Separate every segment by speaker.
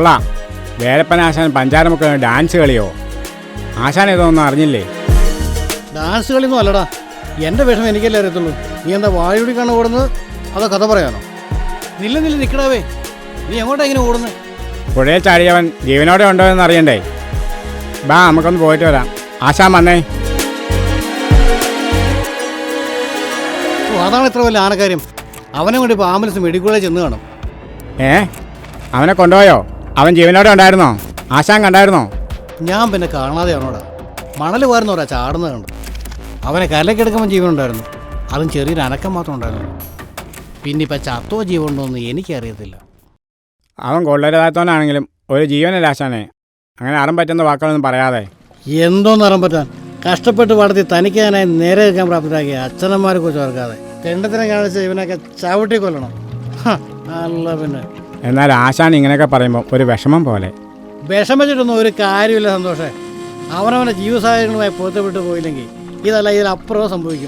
Speaker 1: കൊള്ളാം. വേലപ്പൻ ആശാൻ പഞ്ചാരമുക്ക് ഡാൻസ് കളിയോ? ആശാൻ ഇതൊന്നും അറിഞ്ഞില്ലേ?
Speaker 2: ഡാൻസ് കളിയൊന്നും അല്ലടാ, എൻ്റെ വിഷമം എനിക്കല്ലേ അറിയത്തുള്ളൂ. നീ എന്താ വായുടി കണ്ണ് ഓടുന്നത്, അതോ കഥ പറയാനോ? നില്ല നിൽക്കടാവേ, നീ എങ്ങോട്ടാ ഇങ്ങനെ ഓടുന്നത്?
Speaker 1: പുഴയിൽ ചാടിയവൻ ജീവനോടെ ഉണ്ടോ എന്ന് അറിയണ്ടേ? ബാ നമുക്കൊന്ന് പോയിട്ട് വരാം. ആശാൻ വന്നേ.
Speaker 2: അതാണ് ഇത്ര വലിയ ആനക്കാര്യം. അവനെ കൊണ്ട് ഇപ്പോൾ ആംബുലൻസ് മെഡിക്കൽ കോളേജ് ചെന്ന് കാണും.
Speaker 1: അവനെ കൊണ്ടുപോയോ? അവൻ ജീവനോടെ ഉണ്ടായിരുന്നോ? ആശാൻ കണ്ടായിരുന്നോ?
Speaker 2: ഞാൻ പിന്നെ കാണാതെയാണോടാ, മണൽ വാരുന്നോടാ ചാടുന്നത് കണ്ട്. അവനെ കരലേക്കെടുക്കുമ്പോൾ ജീവനുണ്ടായിരുന്നു, അതും ചെറിയൊരു അനക്കം മാത്രം ഉണ്ടായിരുന്നു. പിന്നെ ഇപ്പം ചത്തോ ജീവനുണ്ടോ എന്ന് എനിക്കറിയത്തില്ല.
Speaker 1: അവൻ കൊള്ളരുതാത്തവനാണെങ്കിലും ഒരു ജീവനല്ല ആശാനെ. അങ്ങനെ അറം പറ്റുന്ന വാക്കുകളൊന്നും പറയാതെ.
Speaker 2: എന്തോന്ന് അറം പറ്റാൻ? കഷ്ടപ്പെട്ട് വളർത്തി തനിക്കാനായി നേരെ നിൽക്കാൻ പ്രാപ്തരാക്കിയ അച്ഛനന്മാരെ കുറിച്ച് ഓർക്കാതെ തെണ്ടത്തിനെ കാണിച്ച ഇവനൊക്കെ ചവിട്ടി കൊല്ലണം. അല്ല പിന്നെ.
Speaker 1: എന്നാൽ ആശാൻ ഇങ്ങനെയൊക്കെ പറയുമ്പോൾ ഒരു വിഷമം പോലെ.
Speaker 2: വിഷമിച്ചിട്ടൊന്നും ഒരു കാര്യമില്ല സന്തോഷേ. അവനവൻ്റെ ജീവ സാഹചര്യങ്ങളുമായി പൊരുത്തപ്പെട്ടു പോയില്ലെങ്കിൽ ഇതല്ല ഇതിലപ്പുറവും സംഭവിക്കും.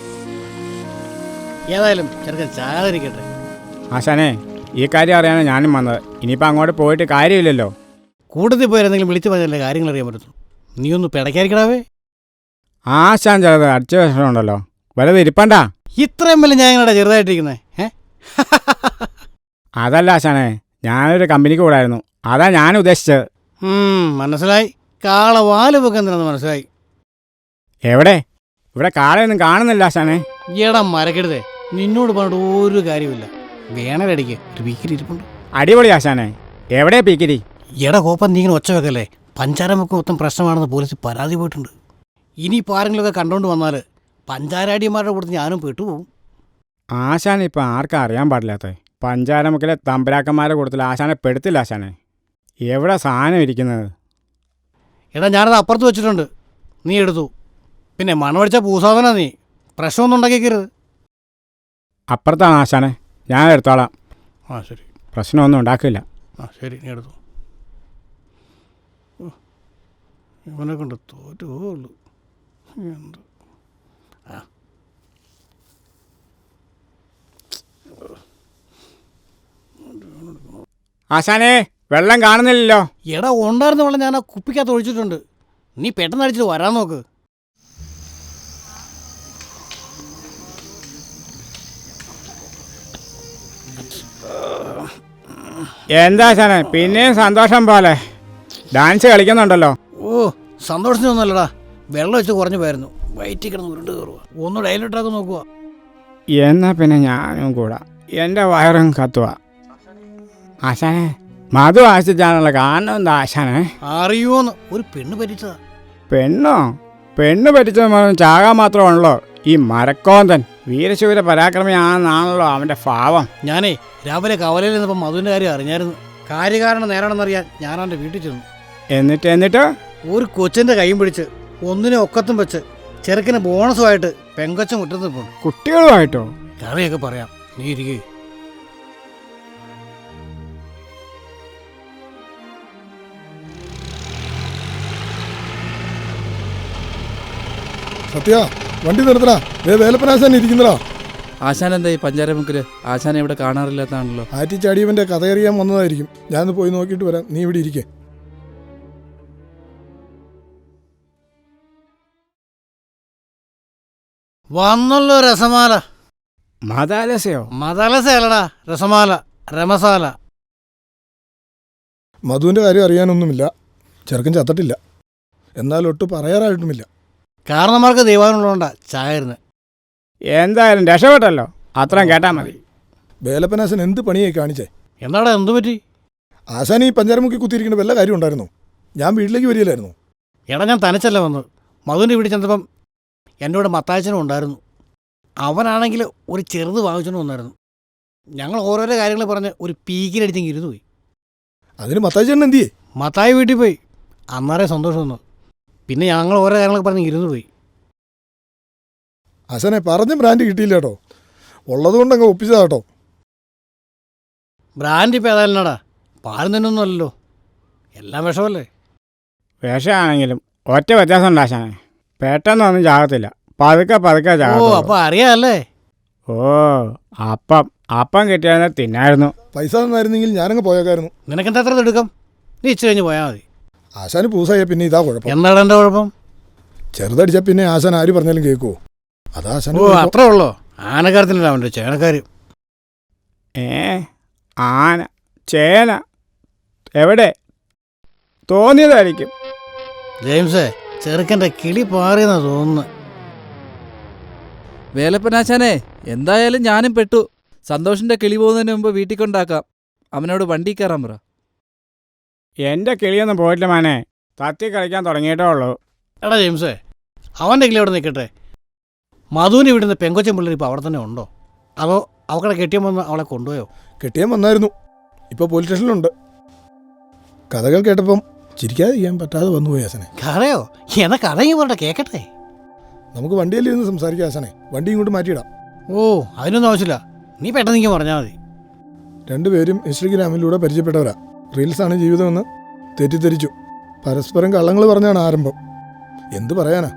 Speaker 2: ഏതായാലും ചെറുക്കൻ ചാകാതിരിക്കട്ടെ.
Speaker 1: ആശാനെ, ഈ കാര്യം അറിയാനാണ് ഞാനും വന്നത്. ഇനിയിപ്പോൾ അങ്ങോട്ട് പോയിട്ട് കാര്യമില്ലല്ലോ.
Speaker 2: കൂട്ടത്തിൽ പോയാലെന്തെങ്കിലും വിളിച്ചു പറഞ്ഞല്ലേ കാര്യങ്ങൾ അറിയാൻ പറ്റുന്നു. നീ ഒന്ന് പിടയ്ക്കാതിരിക്കടാവേ.
Speaker 1: ആശാൻ ചെറുത് അടിച്ച വിഷമമുണ്ടല്ലോ, വലുത് ഇരിപ്പണ്ട.
Speaker 2: ഇത്രയും വല്ല ഞാൻ എങ്ങനെയാ ചെറുതായിട്ടിരിക്കുന്നത്?
Speaker 1: അതല്ല ആശാനെ, ഞാനൊരു കമ്പനിക്ക് കൂടായിരുന്നു, അതാ ഞാൻ ഉദ്ദേശിച്ചത്.
Speaker 2: മനസ്സിലായി. കാള വാല് വെക്കുന്നെന്ന് മനസ്സിലായി.
Speaker 1: എവിടെ? ഇവിടെ കാളയൊന്നും കാണുന്നില്ല ആശാനെ.
Speaker 2: ഈടാ മരക്കെടുതേ, നിന്നോട് പറഞ്ഞിട്ട് ഒരു കാര്യമില്ല. വേണലടിക്ക് ഒരു പീക്കിരി ഇരിപ്പുണ്ട്.
Speaker 1: അടിപൊളി ആശാനെ. എവിടെയാ പീക്കിരി?
Speaker 2: എടാ കോപ്പം, നീ ഇങ്ങനെ ഒച്ച വെക്കല്ലേ. പഞ്ചാരമുക്ക് മൊത്തം പ്രശ്നമാണെന്ന് പോലീസ് പരാതി പോയിട്ടുണ്ട്. ഇനിയിപ്പോൾ ആരെങ്കിലുമൊക്കെ കണ്ടുകൊണ്ട് വന്നാൽ പഞ്ചാരാടിയന്മാരുടെ കൂടെ ഞാനും പെട്ടുപോകും.
Speaker 1: ആശാൻ ഇപ്പം ആർക്കും അറിയാൻ പാടില്ലാത്തേ. പഞ്ചാരമുക്കിലെ തമ്പരാക്കന്മാരുടെ കൂട്ടത്തിൽ ആശാനെ പെടുത്തില്ല ആശാനെ. എവിടെ സാധനം ഇരിക്കുന്നത്?
Speaker 2: എടാ ഞാനത് അപ്പുറത്ത് വെച്ചിട്ടുണ്ട്, നീ എടുത്തു. പിന്നെ മണമടിച്ച പൂസാധന, നീ പ്രശ്നമൊന്നും ഉണ്ടാക്കിക്കരുത്.
Speaker 1: അപ്പുറത്താണ് ആശാനെ, ഞാൻ എടുത്തോളാം.
Speaker 2: ശരി,
Speaker 1: പ്രശ്നമൊന്നും ഉണ്ടാക്കില്ല.
Speaker 2: ശരി, നീ എടുത്തു. ഇവനെ കൊണ്ട് തോറ്റുള്ളൂ. എന്ത്
Speaker 1: ആശാനെ, വെള്ളം കാണുന്നില്ലല്ലോ.
Speaker 2: എടാ ഉണ്ടായിരുന്ന വെള്ളം ഞാൻ ആ കുപ്പിക്കകത്ത് ഒഴിച്ചിട്ടുണ്ട്. നീ പെട്ടെന്ന് അടിച്ചിട്ട് വരാൻ നോക്ക്.
Speaker 1: എന്താ ആശാനെ, പിന്നെയും സന്തോഷം പോലെ ഡാൻസ് കളിക്കുന്നുണ്ടല്ലോ.
Speaker 2: സന്തോഷത്തിനൊന്നുമല്ലടാ, വെള്ളം വെച്ച് കുറഞ്ഞു പോയിരുന്നു. വയറ്റിൽ കിടന്ന് ഉരുണ്ട് കയറുക. ഒന്ന് ഡയലിട്ടാക്കി നോക്കുക.
Speaker 1: എന്നാ പിന്നെ ഞാനും കൂടാ, എൻ്റെ വയറും കത്തുക. ആശാനെ, മധു ആശിച്ചാണല്ലോ കാരണം. എന്താ ആശാനെ?
Speaker 2: അറിയുമോന്ന്? ഒരു പെണ്ണ് പറ്റിച്ചതാ.
Speaker 1: പെണ്ണോ? പെണ്ണ് പറ്റിച്ചത് ചാകാൻ മാത്രമാണല്ലോ ഈ മരക്കോന്തൻ. വീരശൂര പരാക്രമിയാണെന്നാണല്ലോ അവൻ്റെ ഭാവം.
Speaker 2: ഞാനേ രാവിലെ കവലയിൽ നിന്നപ്പോൾ മധുവിൻ്റെ കാര്യം അറിഞ്ഞായിരുന്നു. കാര്യകാരണം നേരാണെന്നറിയാൻ ഞാൻ അവൻ്റെ വീട്ടിൽ ചെന്നു.
Speaker 1: എന്നിട്ട്
Speaker 2: ഒരു കൊച്ചിൻ്റെ കൈയും പിടിച്ച് ഒന്നിനെ ഒക്കത്തും വെച്ച് ചെറുക്കിന് ബോണസുമായിട്ട് പെങ്കൊച്ച മുറ്റത്ത് പോകും.
Speaker 1: കുട്ടികളുമായിട്ടോ?
Speaker 2: കറിയൊക്കെ പറയാം, നീ ഇരിക്കേ.
Speaker 3: സത്യ, വണ്ടി നിർത്തടാ. വേലപ്പനാശാൻ ഇരിക്കുന്നടാ.
Speaker 4: ആശാൻ എന്താ ഈ പഞ്ചാരമുക്കില്? ആശാനെ ഇവിടെ കാണാറില്ലാത്താണല്ലോ.
Speaker 3: ആറ്റിച്ചാടിയവന്റെ കഥയറിയാൻ വന്നതായിരിക്കും. ഞാനൊന്ന് പോയി നോക്കിയിട്ട് വരാം, നീ ഇവിടെ ഇരിക്കേ.
Speaker 2: വന്നല്ലോ രസമാല.
Speaker 1: മതാലസയോ?
Speaker 2: മതാലസയല്ലടാ, രസമാല, രമസാല.
Speaker 3: മധുവിന്റെ കാര്യം അറിയാനൊന്നുമില്ല. ചെറുക്കൻ ചത്തിട്ടില്ല, എന്നാൽ ഒട്ട് പറയാറായിട്ടുമില്ല.
Speaker 2: കാരണന്മാർക്ക് ദൈവാനുള്ളതുകൊണ്ടാ ചായരുന്ന്.
Speaker 1: എന്തായാലും രക്ഷപ്പെട്ടല്ലോ, അത്രയും കേട്ടാൽ മതി.
Speaker 3: വേലപ്പനാശൻ എന്ത് പണിയായി കാണിച്ചേ?
Speaker 2: എന്താടാ, എന്തു പറ്റി?
Speaker 3: ആശാൻ ഈ പഞ്ചാരമുക്കി കുത്തിയിരിക്കുന്ന വല്ല കാര്യം ഉണ്ടായിരുന്നു? ഞാൻ വീട്ടിലേക്ക് വരികയില്ലായിരുന്നു.
Speaker 2: എടാ ഞാൻ തനിച്ചല്ല വന്നത്. മധുവിൻ്റെ വീട്ടിൽ ചെന്നപ്പം എൻ്റെ കൂടെ മത്തായച്ചനും ഉണ്ടായിരുന്നു. അവനാണെങ്കിൽ ഒരു ചെറുത് വാങ്ങിച്ചോണ്ട് വന്നായിരുന്നു. ഞങ്ങൾ ഓരോരോ കാര്യങ്ങൾ പറഞ്ഞ് ഒരു പീക്കിലടിച്ചെങ്കിൽ ഇരുന്ന് പോയി.
Speaker 3: അതിന് മത്തായിച്ചേട്ടൻ എന്തിയേ?
Speaker 2: മത്തായി വീട്ടിൽ പോയി. അന്നേരെ സന്തോഷം വന്നു. പിന്നെ ഞങ്ങൾ ഓരോ കാര്യങ്ങളൊക്കെ പറഞ്ഞ് ഇരുന്ന് പോയി.
Speaker 3: ആശാനെ, പറഞ്ഞ ബ്രാൻഡ് കിട്ടിയില്ല കേട്ടോ. ഉള്ളതുകൊണ്ട് അങ്ങ് ഒപ്പിച്ചതാ കേട്ടോ.
Speaker 2: ബ്രാൻഡ് ഇപ്പം ഏതായാലുംടാ, പാലും തന്നെയൊന്നും അല്ലല്ലോ, എല്ലാം വിഷമല്ലേ.
Speaker 1: വിഷമാണെങ്കിലും ഒറ്റ വ്യത്യാസം ഉണ്ട് ആശാനെ, പെട്ടെന്നൊന്നും ചാകത്തില്ല, പതുക്കെ ചാകും.
Speaker 2: അപ്പം അറിയാമല്ലേ.
Speaker 1: അപ്പം കിട്ടിയാൽ തിന്നായിരുന്നു.
Speaker 3: പൈസ തന്നായിരുന്നെങ്കിൽ ഞാനങ്ങ് പോയേക്കായിരുന്നു.
Speaker 2: നിനക്കെന്താ അത്ര എടുക്കാം? നീ ഇച്ചിരി കഴിഞ്ഞ് പോയാൽ മതി.
Speaker 3: ആശാന് പൂസായ പിന്നെ ഇതാ കുഴപ്പം.
Speaker 2: എന്താണ് എൻ്റെ കുഴപ്പം?
Speaker 3: ചെറുതടിച്ചാൽ പിന്നെ ആശാൻ ആര് പറഞ്ഞാലും കേൾക്കുമോ? അതാ ആശാൻ.
Speaker 2: ഓ, അത്രേ ഉള്ളോ? ആനക്കാരത്തിനല്ല അവൻ്റെ ചേനക്കാർ.
Speaker 1: ആന ചേന എവിടെ? തോന്നിയതായിരിക്കും.
Speaker 2: ജെയിംസേ, ചെറുക്കൻ്റെ കിളി പാറിയെന്നാ തോന്നുന്നു.
Speaker 4: വേലപ്പനാശാനെ, എന്തായാലും ഞാനും പെട്ടു. സന്തോഷിന്റെ കിളി പോകുന്നതിന് മുമ്പ് വീട്ടിൽ കൊണ്ടാക്കാം. അവനോട് വണ്ടി കയറാൻ പറ.
Speaker 1: എൻ്റെ കിളിയൊന്നും പോയിട്ടില്ല മാനെ, തത്തി കളിക്കാൻ തുടങ്ങിയിട്ടേ ഉള്ളൂ.
Speaker 2: എടാ ജെയിംസേ, അവൻ്റെ കിളി അവിടെ നിൽക്കട്ടെ. മധുവിന് വിടുന്ന പെങ്കൊച്ചൻ പിള്ളേർ ഇപ്പോൾ അവിടെ തന്നെ ഉണ്ടോ? അതോ അവക്കടെ കെട്ടിയം വന്ന് അവളെ കൊണ്ടുപോയോ?
Speaker 3: കെട്ടിയാൻ വന്നായിരുന്നു, ഇപ്പോൾ പോലീസ് സ്റ്റേഷനിലുണ്ട്. കഥകൾ കേട്ടപ്പം ചിരിക്കാതെ ചെയ്യാൻ പറ്റാതെ വന്നുപോയി ആശാനെ.
Speaker 2: കഥയോ? എന്നാ കഥയും പറഞ്ഞ കേൾക്കട്ടെ.
Speaker 3: നമുക്ക് വണ്ടിയിലിരുന്ന് സംസാരിക്കാം ആശാനെ. വണ്ടി ഇങ്ങോട്ട് മാറ്റിയിടാം.
Speaker 2: ഓ, അതിനൊന്നും ആവശ്യമില്ല. നീ പെട്ടെന്ന് എനിക്ക് പറഞ്ഞാൽ മതി.
Speaker 3: രണ്ടുപേരും ഇൻസ്റ്റഗ്രാമിലൂടെ പരിചയപ്പെട്ടവരാ. റീൽസാണ് ജീവിതമെന്ന് തെറ്റിദ്ധരിച്ചു. പരസ്പരം കള്ളങ്ങൾ പറഞ്ഞാണ് ആരംഭം. എന്തു പറയാനാ?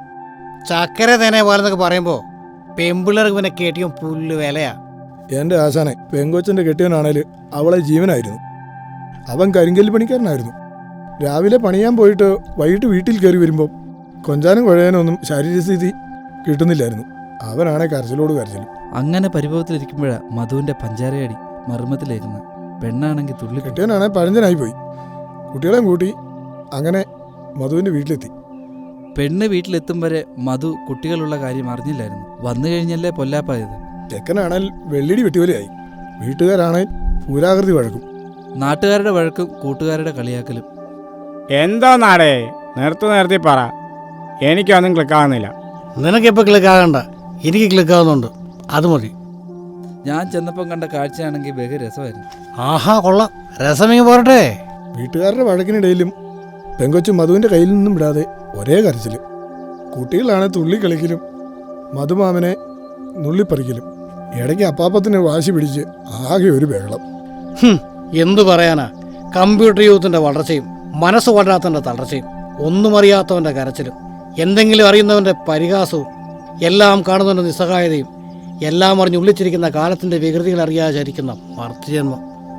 Speaker 2: ചക്കര തേനെ പോലെന്നൊക്കെ പറയുമ്പോൾ പെമ്പിള്ളേർക്ക് പിന്നെ കെട്ടിയും പുല്ല് വിലയാ.
Speaker 3: എൻ്റെ ആശാനെ, പെങ്കൊച്ചൻ്റെ കെട്ടിയവനാണേൽ അവളെ ജീവനായിരുന്നു. അവൻ കരിങ്കല്ല് പണിക്കാരനായിരുന്നു. രാവിലെ പണിയാൻ പോയിട്ട് വൈകിട്ട് വീട്ടിൽ കയറി വരുമ്പോൾ കൊഞ്ചാനും കുഴയാനൊന്നും ശാരീരസ്ഥിതി കിട്ടുന്നില്ലായിരുന്നു. അവനാണെ കരച്ചിലോട് കരച്ചിലും.
Speaker 4: അങ്ങനെ പരിഭവത്തിലിരിക്കുമ്പോഴാണ് മധുവിന്റെ പഞ്ചാരയടി മർമ്മത്തിലേക്കുന്നത്. പെണ്ണാണെങ്കിൽ തുള്ളി.
Speaker 3: കെട്ടിയവനാണെ പഴഞ്ചനായിപ്പോയി. കുട്ടികളെയും കൂട്ടി അങ്ങനെ മധുവിൻ്റെ വീട്ടിലെത്തി.
Speaker 4: പെണ്ണ് വീട്ടിലെത്തും വരെ മധു കുട്ടികളുള്ള കാര്യം അറിഞ്ഞില്ലായിരുന്നു. വന്നു കഴിഞ്ഞല്ലേ പൊല്ലാപ്പായത്.
Speaker 3: ചെക്കനാണേൽ വെള്ളിടി വെട്ടിവലിയായി. വീട്ടുകാരാണേൽ പൂരാകൃതി വഴക്കും.
Speaker 4: നാട്ടുകാരുടെ വഴക്കും കൂട്ടുകാരുടെ കളിയാക്കലും.
Speaker 1: എന്തോ നാടേ, നിർത്തി പറ. എനിക്കൊന്നും ക്ലിക്കാവുന്നില്ല.
Speaker 2: നിനക്കിപ്പോൾ ക്ലിക്കാകണ്ട, എനിക്ക് ക്ലിക്കാവുന്നുണ്ട്. അത് മതി.
Speaker 4: ഞാൻ ചെന്നപ്പം കണ്ട കാഴ്ചയാണെങ്കിൽ ബഹു രസമായിരുന്നു.
Speaker 2: ആഹാ, കൊള്ളാം. രസമെങ്കിൽ പോരട്ടെ.
Speaker 3: വീട്ടുകാരുടെ വഴക്കിനിടയിലും പെങ്കൊച്ചു മധുവിൻ്റെ കയ്യിൽ നിന്നും വിടാതെ ഒരേ കരച്ചിൽ. കുട്ടികളാണ് തുള്ളി കളിക്കലും മധുമാമനെ നുള്ളിപ്പറിക്കലും. ഇടയ്ക്ക് അപ്പാപ്പത്തിന് വാശി പിടിച്ച് ആകെ ഒരു ബഹളം.
Speaker 2: എന്തു പറയാനാ? കമ്പ്യൂട്ടർ യൂത്തിൻ്റെ വളർച്ചയും മനസ്സ് വളരാത്തവൻ്റെ തളർച്ചയും ഒന്നും അറിയാത്തവൻ്റെ കരച്ചിലും എന്തെങ്കിലും അറിയുന്നവൻ്റെ പരിഹാസവും എല്ലാം കാണുന്നവൻ്റെ നിസ്സഹായതയും എല്ലാം അറിഞ്ഞ് ഉള്ളിച്ചിരിക്കുന്ന കാലത്തിൻ്റെ വികൃതികൾ അറിയാതിരിക്കുന്ന മർത്യജന്മം.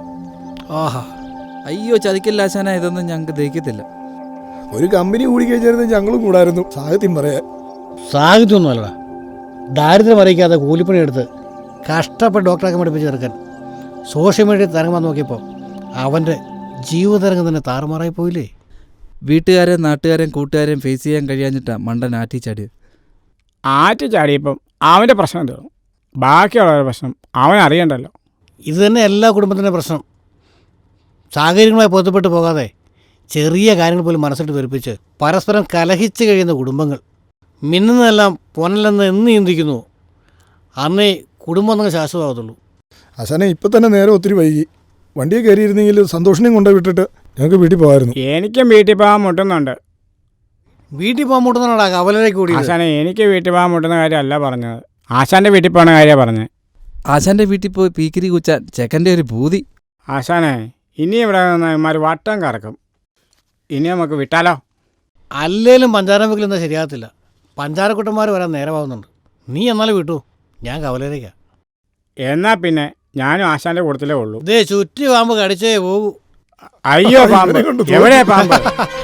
Speaker 2: ആഹാ,
Speaker 4: അയ്യോ ചതിക്കില്ല ആശാന, ഇതൊന്നും ഞങ്ങൾക്ക് ദഹിക്കത്തില്ല.
Speaker 3: ഒരു കമ്പനി കൂടി കഴിച്ചായിരുന്നു ഞങ്ങളും കൂടായിരുന്നു സാഹിത്യം പറയാൻ.
Speaker 2: സാഹിത്യമൊന്നുമല്ലടാ, ദാരിദ്ര്യം അറിയിക്കാതെ കൂലിപ്പണി എടുത്ത് കഷ്ടപ്പെട്ട് ഡോക്ടറാക്കി പഠിപ്പിച്ച് ചേർക്കാൻ സോഷ്യൽ മീഡിയ തരംഗം നോക്കിയപ്പോൾ അവൻ്റെ ജീവിതതരംഗം തന്നെ താറുമാറായി പോയില്ലേ?
Speaker 4: വീട്ടുകാരെയും നാട്ടുകാരെയും കൂട്ടുകാരെയും ഫേസ് ചെയ്യാൻ കഴിയാഞ്ഞിട്ടാണ് മണ്ടൻ ആറ്റിച്ചാടിയത്.
Speaker 1: ആറ്റിച്ചാടിയപ്പം അവൻ്റെ പ്രശ്നം തീർന്നു. ബാക്കിയുള്ളവരുടെ പ്രശ്നം അവൻ അറിയണ്ടല്ലോ.
Speaker 2: ഇത് തന്നെ എല്ലാ കുടുംബത്തിൻ്റെ പ്രശ്നം. സാഹചര്യങ്ങളുമായി പൊരുത്തപ്പെട്ടു പോകാതെ ചെറിയ കാര്യങ്ങൾ പോലും മനസ്സിട്ട് തെറിപ്പിച്ച് പരസ്പരം കലഹിച്ച് കഴിയുന്ന കുടുംബങ്ങൾ. മിന്നുന്നതെല്ലാം പൊന്നലെന്ന് എന്ന് ചിന്തിക്കുന്നു. അന്നേ കുടുംബം എന്നങ്ങ് ശാശ്വതമാകത്തുള്ളൂ.
Speaker 3: ആശാനെ, ഇപ്പം തന്നെ നേരെ ഒത്തിരി വൈകി. വണ്ടിയെ കയറിയിരുന്നെങ്കിൽ സന്തോഷിനെയും കൊണ്ടുപോയി വിട്ടിട്ട് ഞങ്ങൾക്ക് വീട്ടിൽ പോകായിരുന്നു.
Speaker 1: എനിക്കും വീട്ടിൽ പോകാൻ മുട്ടുന്നുണ്ട്.
Speaker 2: വീട്ടിൽ പോകാൻ മുട്ടുന്നതാടാ കവലയിലേക്ക് കൂടി.
Speaker 1: ആശാനെ, എനിക്ക് വീട്ടിൽ പോകാൻ മുട്ടുന്ന കാര്യമല്ല പറഞ്ഞത്. ആശാൻ്റെ വീട്ടിൽ പോകുന്ന കാര്യമാണ് പറഞ്ഞത്.
Speaker 4: ആശാന്റെ വീട്ടിൽ പോയി പീക്കിരി കുച്ചാൻ ചെക്കൻ്റെ ഒരു ഭൂതി.
Speaker 1: ആശാനെ, ഇനി ഇവിടെ നിന്ന് ഇമാർ വട്ടം കറക്കും. ഇനി നമുക്ക് വിട്ടാലോ?
Speaker 2: അല്ലേലും പഞ്ചാര വെക്കലൊന്നും ശരിയാകത്തില്ല. പഞ്ചാരക്കുട്ടന്മാർ വരാൻ നേരമാകുന്നുണ്ട്. നീ എന്നാലും വിട്ടു, ഞാൻ കവലയിലേക്കാണ്.
Speaker 1: എന്നാൽ പിന്നെ ഞാനും ആശാൻ്റെ കൂട്ടത്തിലേ ഉള്ളൂ.
Speaker 2: ഇതേ ചുറ്റി പാമ്പ് കടിച്ചേ പോകൂ.
Speaker 1: അയ്യോ പാമ്പ്, എവിടെയാ പാമ്പ്?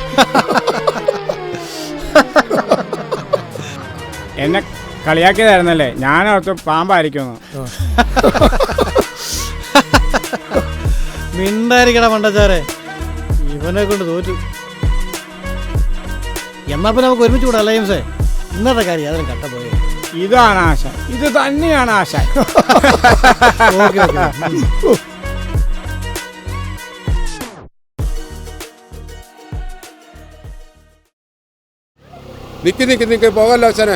Speaker 1: എന്നെ കളിയാക്കിയതായിരുന്നല്ലേ, ഞാനോർത്ത് പാമ്പായിരിക്കുന്നു.
Speaker 2: മിണ്ടായിരിക്കട മണ്ടച്ചാരെ, ഇവനെ കൊണ്ട് തോറ്റു. എന്നാ പിന്നെ നമുക്ക് ഒരുമിച്ച് കൂടാ ജെയിംസേ. ഇന്നത്തെ കാര്യം അതിന് കട്ട പോയേ.
Speaker 1: ഇതാണ് ആശ, ഇത് തന്നെയാണ് ആശ.
Speaker 2: Okay okay.
Speaker 5: നിക്ക് പോകല്ലോ ആശാനെ.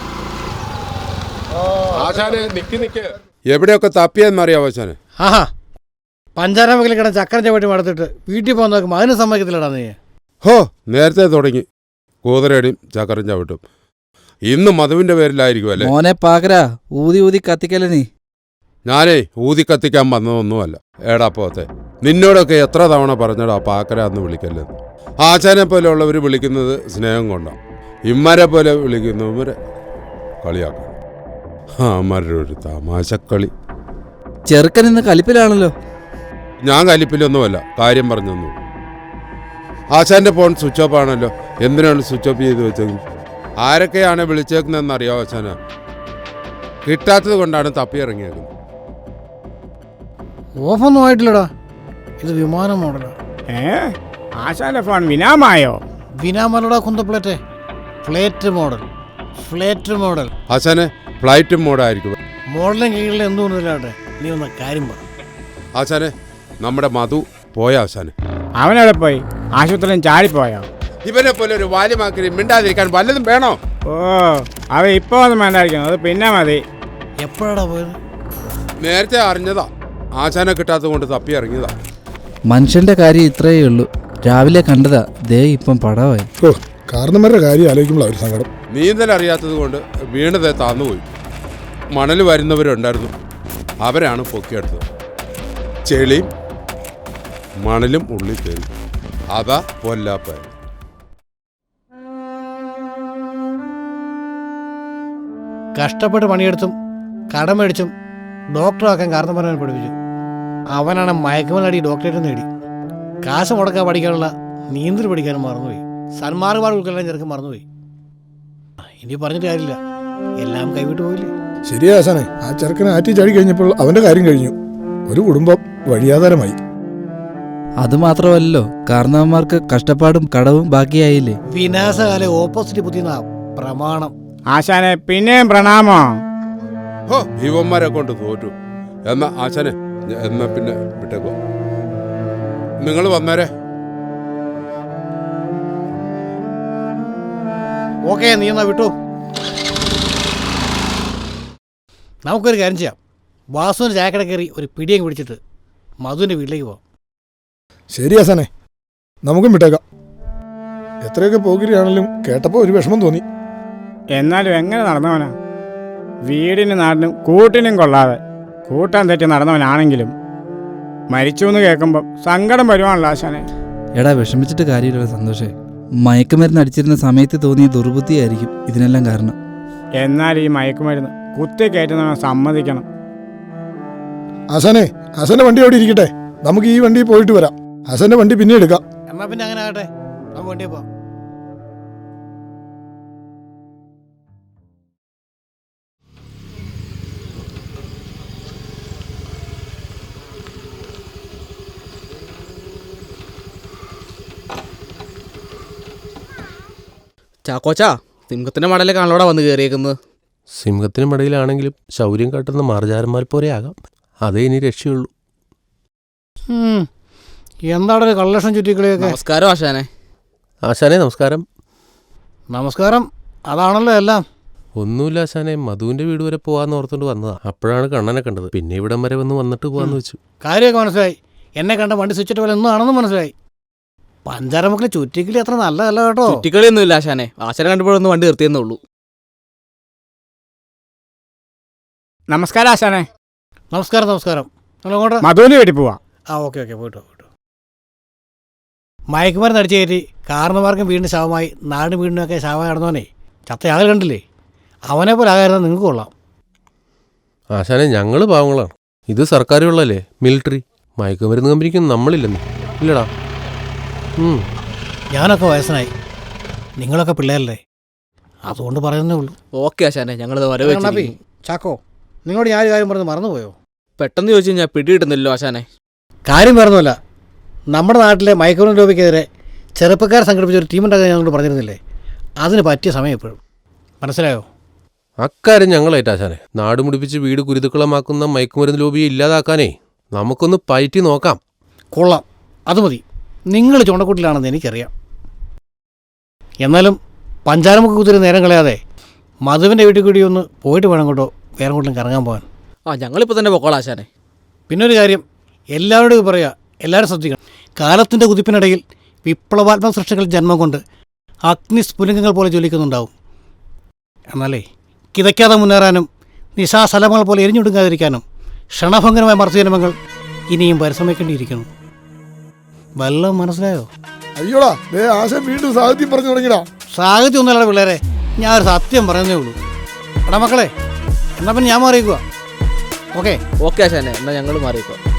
Speaker 5: ആശാനെ നിക്ക്. എവിടെയൊക്കെ തപ്പിയെന്നറിയാവോ ആശാനെ?
Speaker 2: ആഹാ, പഞ്ചാര വെക്കൽ കിടന്ന് ചക്കര ചവിട്ടി മടത്തിട്ട് വീട്ടിൽ പോകാൻ നോക്കുമ്പോൾ അതിന് സമ്മതിക്കത്തില്ലടാ നീ.
Speaker 5: ഹോ, നേരത്തെ തുടങ്ങി കൂതറേടിയും ചക്കരം ചവിട്ടും. ഇന്ന് മധുവിന്റെ പേരിലായിരിക്കും അല്ലേ?
Speaker 4: മോനെ പാകരാ, ഊതി കത്തിക്കല്ലേ നീ.
Speaker 5: ഞാനേ ഊതി കത്തിക്കാൻ വന്നതൊന്നുമല്ല. ഏടാ പോത്തെ, നിന്നോടൊക്കെ എത്ര തവണ പറഞ്ഞടാ പാക്കര എന്ന് വിളിക്കല്ലെന്ന്. ആശാനെ പോലെയുള്ളവർ വിളിക്കുന്നത് സ്നേഹം കൊണ്ടാണ്. ഇമ്മരെ പോലെ വിളിക്കുന്നവരെ കളിയാക്കണം. അമ്മരുടെ ഒരു തമാശക്കളി.
Speaker 4: ചെറുക്കൻ ഇന്ന് കലിപ്പിലാണല്ലോ.
Speaker 5: ഞാൻ കലിപ്പിലൊന്നുമല്ല, കാര്യം പറഞ്ഞൊന്നും. ആശാന്റെ ഫോൺ സ്വിച്ച് ഓഫ് ആണല്ലോ. എന്തിനാണ് സ്വിച്ച് ഓഫ് ചെയ്ത് വെച്ചത്? ആരൊക്കെയാണ് വിളിച്ചേക്കുന്നതെന്ന് അറിയാമോ ആശാന? കിട്ടാത്തത് കൊണ്ടാണ് തപ്പിയിറങ്ങിയേക്കുന്നത്.
Speaker 2: ഓഫൊന്നും ആയിട്ടില്ലടാ, ഇത് വിമാനം മോഡലാ.
Speaker 1: ആശാന്റെ ഫോൺ വിനാമായോ?
Speaker 2: വിനാമല്ലടാ കുന്തപ്ലേറ്റ്, ഫ്ലേറ്റ് മോഡൽ.
Speaker 5: ആശാനെ ഫ്ലൈറ്റ് മോഡായിരിക്കും.
Speaker 2: മോഡലിന് കീഴിൽ എന്തുകൊണ്ടില്ലാട്ടെ, നീ ഒന്ന് കാര്യം പറ.
Speaker 5: ആശാനെ നമ്മുടെ മധു പോയ ആശാനെ.
Speaker 1: അവനെവിടെ പോയി? ആശുപത്രിയിൽ ചാടിപ്പോയോ?
Speaker 5: ഇവനെ പോലെ ഒരു വാല്യമാക്കി മിണ്ടാതിരിക്കാൻ വല്ലതും വേണോ?
Speaker 1: ഓ, അവ ഇപ്പൊ ഒന്നും വേണ്ടായിരിക്കും, അത് പിന്നെ മതി.
Speaker 2: എപ്പോഴാടാ പോയത്?
Speaker 5: നേരത്തെ അറിഞ്ഞതാ, ആശാനെ കിട്ടാത്തത് കൊണ്ട് തപ്പി ഇറങ്ങിയതാ.
Speaker 4: മനുഷ്യന്റെ കാര്യം ഇത്രയേ ഉള്ളൂ. രാവിലെ കണ്ടതാ, ദേ ഇപ്പം പടവായി.
Speaker 3: ഓ, കാരണന്മാരുടെ കാര്യം ആലോചിക്കുമ്പോൾ ഒരു സങ്കടം.
Speaker 5: നീന്തൽ അറിയാത്തത് കൊണ്ട് വീണതേ താന്നുപോയി. മണൽ വരുന്നവരുണ്ടായിരുന്നു, അവരാണ് പൊക്കിയെടുത്തത്. ചെളിയും മണലും ഉള്ളിൽ കയറി. അതാ പൊല്ലാപ്പ.
Speaker 2: കഷ്ടപ്പെട്ട് പണിയെടുത്തും കടമേടിച്ചും ഡോക്ടറാക്കാൻ കാരണന്മാരെ പഠിപ്പിച്ചു. അവനാണ് മയക്കുമലടി ഡോക്ടറേറ്റ് നേടി. കാശ് മുടക്കാൻ പഠിക്കാനുള്ള നീന്തൽ പഠിക്കാനും മറന്നുപോയി. സന്മാർഗമാർ ഉൾക്കൊള്ളാൻ ചെറുക്കൻ മറന്നുപോയി. ഇനി പറഞ്ഞിട്ട് കാര്യമില്ല, എല്ലാം കൈവിട്ട് പോയില്ലേ.
Speaker 3: ശരിയാ ആശാനെ, ആ ചെറുക്കനെ ആറ്റി ചാടി കഴിഞ്ഞപ്പോൾ അവന്റെ കാര്യം കഴിഞ്ഞു. ഒരു കുടുംബം വഴിയാധാരമായി.
Speaker 4: അതുമാത്രമല്ലോ, കാരണവന്മാർക്ക് കഷ്ടപ്പാടും കടവും ബാക്കിയായില്ലേ.
Speaker 2: വിനാശകാല ഓപ്പോസിറ്റ് ബുദ്ധിന്നാ പ്രമാണം.
Speaker 1: ആശാനെ പിന്നെയും പ്രണാമോ.
Speaker 5: ഹോ, ഇവന്മാരെ കൊണ്ട് തോറ്റു. എന്നാ ആശാനെ, എന്നാ പിന്നെ വിട്ടേക്കോ. നിങ്ങൾ വന്നേരെ.
Speaker 2: ഓക്കെ, നീ എന്നാ വിട്ടു. നമുക്കൊരു കാര്യം ചെയ്യാം. വാസുവിന് ചായക്കട കയറി ഒരു പിടിയും പിടിച്ചിട്ട് മധുവിൻ്റെ വീട്ടിലേക്ക് പോവാം.
Speaker 3: ശരി ആശാനെ, നമുക്കും വിട്ടേക്കാം. എത്രയൊക്കെ പോകിരിയാണെങ്കിലും കേട്ടപ്പോൾ ഒരു വിഷമം തോന്നി.
Speaker 1: എന്നാലും എങ്ങനെ നടന്നവനാ? വീടിനും നാടിനും കൂട്ടിനും കൊള്ളാതെ കൂട്ടാൻ തെറ്റി നടന്നവനാണെങ്കിലും മരിച്ചു എന്ന് കേൾക്കുമ്പോൾ സങ്കടം വരുവാണല്ലോ ആശാനെ.
Speaker 4: എടാ, വിഷമിച്ചിട്ട് കാര്യമില്ല സന്തോഷേ. മയക്കുമരുന്ന് അടിച്ചിരുന്ന സമയത്ത് തോന്നിയ ദുർബുദ്ധിയായിരിക്കും ഇതിനെല്ലാം കാരണം.
Speaker 1: എന്നാൽ ഈ മയക്കുമരുന്ന് കുത്തി കയറ്റുന്നവനെ സമ്മതിക്കണം.
Speaker 3: ആശാന്റെ വണ്ടി അവിടെ ഇരിക്കട്ടെ, നമുക്ക് ഈ വണ്ടി പോയിട്ട് വരാം. ആശാന്റെ വണ്ടി പിന്നെ എടുക്കാം.
Speaker 2: എന്നാൽ പിന്നെ അങ്ങനെ ആകട്ടെ, നമുക്ക് വണ്ടിയെ പോവാം.
Speaker 6: ചാക്കോച്ചാ, സിംഹത്തിന്റെ മടലെ കാണലോടെ വന്ന് കയറിയേക്കുന്നത്.
Speaker 7: സിംഹത്തിന് മടയിലാണെങ്കിലും ശൗര്യം കാട്ടുന്ന മാർജാരന്മാർ പോലെ ആകാം. അതേ ഇനി രക്ഷയുള്ളൂ.
Speaker 2: എന്താണ് ഒരു കള്ളക്ഷം ചുറ്റിക്കളിയൊക്കെ?
Speaker 6: നമസ്കാരം ആശാനെ.
Speaker 7: ആശാനെ നമസ്കാരം.
Speaker 2: നമസ്കാരം. അതാണല്ലോ എല്ലാം.
Speaker 7: ഒന്നുമില്ല ആശാനെ, മധുവിന്റെ വീട് വരെ പോവാന്ന് ഓർത്തോണ്ട് വന്നതാ. അപ്പോഴാണ് കണ്ണനെ കണ്ടത്. പിന്നെ ഇവിടം വരെ വന്നിട്ട് പോവാന്ന് വെച്ചു.
Speaker 2: കാര്യമൊക്കെ മനസ്സിലായി. എന്നെ കണ്ട വണ്ടി സ്വിച്ചിട്ട് പോലെ ഒന്നും ആണെന്ന് മനസ്സിലായി. പഞ്ചാരമക്കളെ ചുറ്റിക്കളി അത്ര നല്ലതല്ല കേട്ടോ.
Speaker 6: ചുറ്റിക്കളിയൊന്നുമില്ല ആശാനെ, ആശാനെ കണ്ടപ്പോഴൊന്ന് വണ്ടി നിർത്തിയെന്നേ ഉള്ളൂ.
Speaker 1: നമസ്കാരം ആശാനെ.
Speaker 2: നമസ്കാരം. നമ്മളങ്ങോട്ട്
Speaker 1: മധുവിന് വീട്ടിൽ പോവാ.
Speaker 2: ഓക്കെ പോയിട്ടോ. മയക്കുമരുന്ന് അടിച്ചു കയറ്റി കാരണന്മാർക്കും വീടിന് ശവമായി നാടിന് വീടിനൊക്കെ ശവമായി നടന്നവനെ ചത്തയാൾ കണ്ടില്ലേ? അവനെ പോലെ ആകായിരുന്ന നിങ്ങൾക്ക് കൊള്ളാം.
Speaker 7: ആശാനെ, ഞങ്ങൾ പാവങ്ങളാണ്. ഇത് സർക്കാരുള്ളല്ലേ, മിലിറ്ററി. മയക്കുമരുന്ന് കമ്പനിക്കും നമ്മളില്ലെന്ന് ഇല്ലടാ.
Speaker 2: ഞാനൊക്കെ വയസ്സനായി, നിങ്ങളൊക്കെ പിള്ളേരല്ലേ, അതുകൊണ്ട് പറയുന്നേ ഉള്ളൂ.
Speaker 6: ഓക്കെ ആശാനെ, ഞങ്ങളിത് വരവ്.
Speaker 2: ചാക്കോ, നിങ്ങളോട് ഞാൻ ഒരു കാര്യം പറഞ്ഞ് മറന്നുപോയോ?
Speaker 6: പെട്ടെന്ന് ചോദിച്ചു കഴിഞ്ഞാൽ പിടി കിട്ടുന്നില്ലല്ലോ ആശാനെ.
Speaker 2: കാര്യം വേറൊന്നുമല്ല, നമ്മുടെ നാട്ടിലെ മയക്കുമരുന്ന് ലോബിക്കെതിരെ ചെറുപ്പക്കാർ സംഘടിപ്പിച്ച ഒരു ടീമുണ്ടാക്കാൻ ഞങ്ങളോട് പറഞ്ഞിരുന്നില്ലേ? അതിന് പറ്റിയ സമയം എപ്പോഴും. മനസ്സിലായോ?
Speaker 7: അക്കാര്യം ഞങ്ങളേറ്റാശാനെ. നാട് മുടിപ്പിച്ച് വീട് കുരുതുക്കളമാക്കുന്ന മയക്കുമരുന്ന് ലോബിയെ ഇല്ലാതാക്കാനേ നമുക്കൊന്ന് പയറ്റി നോക്കാം.
Speaker 2: കൊള്ളാം, അത് മതി. നിങ്ങൾ ചുണ്ടക്കൂട്ടിലാണെന്ന് എനിക്കറിയാം. എന്നാലും പഞ്ചാരമുക്ക് കുതിരി നേരം കളയാതെ മധുവിൻ്റെ വീട്ടിൽ കൂടി ഒന്ന് പോയിട്ട് വേണം കേട്ടോ വേറെ കൊണ്ടും കറങ്ങാൻ പോകാൻ.
Speaker 6: ഞങ്ങളിപ്പോൾ തന്നെ പൊക്കോളാം ആശാനെ.
Speaker 2: പിന്നൊരു കാര്യം എല്ലാവരോടും പറയുക, എല്ലാവരും ശ്രദ്ധിക്കണം. കാലത്തിൻ്റെ കുതിപ്പിനിടയിൽ വിപ്ലവാത്മക സൃഷ്ടികൾ ജന്മം കൊണ്ട് അഗ്നിസ്ഫുലിംഗങ്ങൾ പോലെ ജ്വലിക്കുന്നുണ്ടാവും. എന്നാലേ കിതയ്ക്കാതെ മുന്നേറാനും നിശാസ്ഥലങ്ങൾ പോലെ എരിഞ്ഞൊടുങ്ങാതിരിക്കാനും ക്ഷണഭംഗരമായ മർദ്ദജന്മങ്ങൾ ഇനിയും പരിശ്രമിക്കേണ്ടിയിരിക്കുന്നു. വല്ലതും മനസ്സിലായോ?
Speaker 3: അയ്യോടാ, ആശാൻ വീണ്ടും സാഹിത്യം പറഞ്ഞു തുടങ്ങിടാ.
Speaker 2: സാഹിത്യം ഒന്നുമല്ല പിള്ളേരെ, ഞാൻ ഒരു സത്യം പറയുന്നേ ഉള്ളൂ. എടാ മക്കളെ, എന്നാൽ പിന്നെ ഞാൻ മാറിയേക്കുക. ഓക്കെ
Speaker 6: ആശാനെ, എന്നാൽ ഞങ്ങൾ മാറിയേക്കുക.